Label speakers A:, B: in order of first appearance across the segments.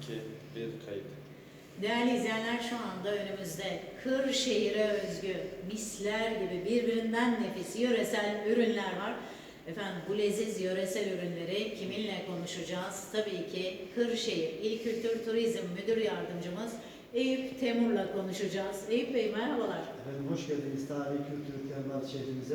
A: 2, 1 kayıt.
B: Değerli izleyenler, şu anda önümüzde Kırşehir'e özgü misler gibi birbirinden nefis yöresel ürünler var. Efendim, bu leziz yöresel ürünleri kiminle konuşacağız? Tabii ki Kırşehir İl Kültür Turizm Müdür Yardımcımız Eyüp Temur'la konuşacağız. Eyüp Bey, merhabalar.
C: Efendim hoş geldiniz tarihi kültür kentler şehrimize.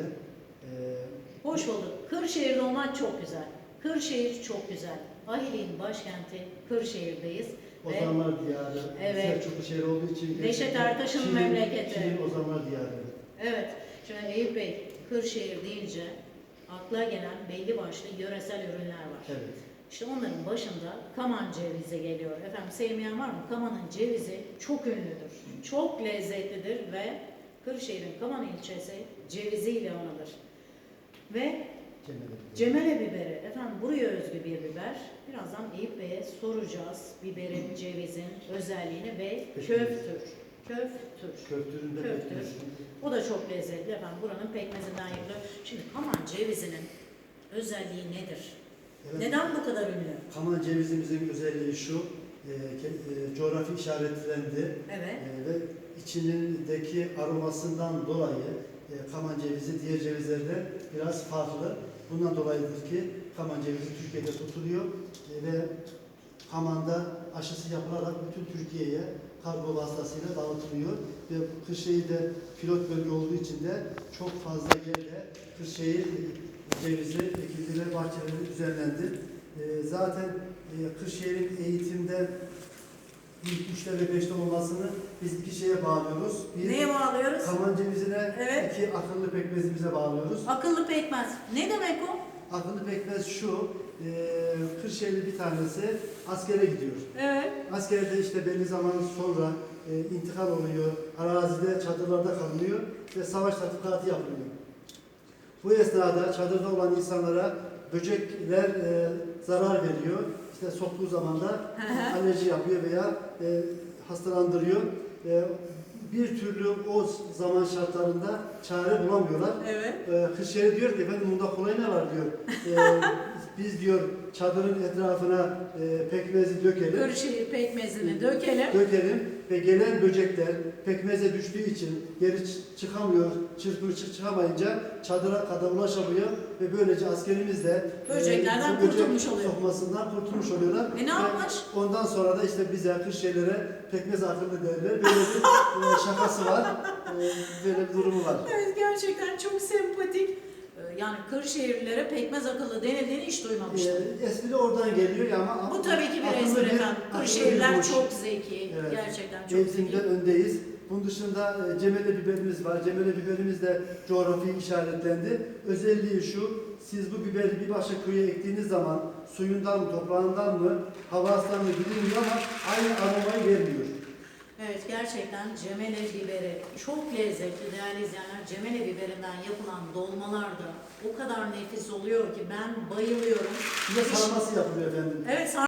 B: Hoş bulduk. Kırşehir'de olmak çok güzel. Kırşehir çok güzel. Ahiliğin başkenti Kırşehir'deyiz.
C: Ozanlar Diyarı,
B: Evet.
C: Selçuklu şehri olduğu için
B: Neşet Ertaş'ın memleketi.
C: Çin'in Ozanlar Diyarı.
B: Evet, şimdi Eyüp Bey, Kırşehir deyince akla gelen belli başlı yöresel ürünler var.
C: Evet.
B: İşte onların başında Kaman cevizi geliyor. Efendim, sevmeyen var mı? Kaman'ın cevizi çok ünlüdür, çok lezzetlidir ve Kırşehir'in Kaman ilçesi ceviziyle anılır. Ve Cemele biberi, efendim buraya özgü bir biber. Birazdan Eyüp Bey'e soracağız biberin, cevizin özelliğini ve köftür.
C: Köftüründe
B: Köftür. O da çok lezzetli efendim. Buranın pekmezinden yapılıyor. Şimdi Kaman cevizinin özelliği nedir?
C: Evet.
B: Neden bu kadar ünlü?
C: Kaman cevizimizin özelliği şu, coğrafi işaretlendi.
B: Evet.
C: Ve içindeki aromasından dolayı Kaman cevizi diğer cevizlerden biraz farklı. Bundan dolayıdır ki Kaman cevizi Türkiye'de tutuluyor ve Kaman'da aşısı yapılarak bütün Türkiye'ye kargo vasıtasıyla dağıtılıyor ve Kırşehir'de pilot bölge olduğu için de çok fazla yerde Kırşehir cevizi ekildi ve bahçeleri düzenlendi. Zaten Kırşehir'in eğitimde ilk 3'te ve 5'te olmasını biz iki şeye bağlıyoruz. Bir,
B: neye bağlıyoruz?
C: Kaman cevizine,
B: Evet.
C: iki akıllı pekmezimize bağlıyoruz.
B: Akıllı pekmez. Ne demek o?
C: Akıllı pekmez şu, Kırşehirli bir tanesi askere gidiyor.
B: Evet.
C: Askerde işte belli zaman sonra intikal oluyor, arazide, çadırlarda kalınıyor ve savaş tatbikatı yapılıyor. Bu esnada çadırda olan insanlara böcekler zarar veriyor. İşte soktuğu zaman da alerji yapıyor veya hastalandırıyor. Bir türlü o zaman şartlarında çare bulamıyorlar.
B: Evet.
C: Kırşehir diyor ki efendim bunda kolay ne var diyor. Biz diyor çadırın etrafına pekmezi dökelim.
B: Kırşehir pekmezini dökelim.
C: Dökelim ve gelen böcekler pekmeze düştüğü için geri çıkamıyor, çıkamayınca çadıra kadar ulaşamıyor ve böylece askerimiz de
B: Böceklerden
C: böcek
B: kurtulmuş oluyor.
C: sokmasından kurtulmuş oluyorlar.
B: Ne yapmış?
C: Ondan sonra da işte bize Kırşehirlere pekmez akıllı derler. Böyle bir şakası var, böyle bir durumu var.
B: Evet, gerçekten çok sempatik. Yani Kırşehirlilere pekmez akıllı denildiğini hiç duymamıştım.
C: Espri oradan geliyor ama
B: Bu tabii ki bir
C: akıllı
B: espri efendim.
C: akıllı bir
B: Kırşehirliler
C: boş.
B: çok zeki.
C: Evet.
B: Gerçekten çok
C: Eğitimde
B: zeki.
C: öndeyiz. Bunun dışında cemele biberimiz var. Cemele biberimiz de coğrafi işaretlendi. Özelliği şu, siz bu biberi bir başka köye ektiğiniz zaman suyundan mı, toprağından mı, havasından mı bilinmiyor ama aynı aromayı vermiyor.
B: Evet, gerçekten cemele biberi çok lezzetli değerli izleyenler. Cemele biberinden yapılan dolmalar da o kadar nefis oluyor ki ben bayılıyorum.
C: Bir de sarması yapılıyor efendim.
B: Evet,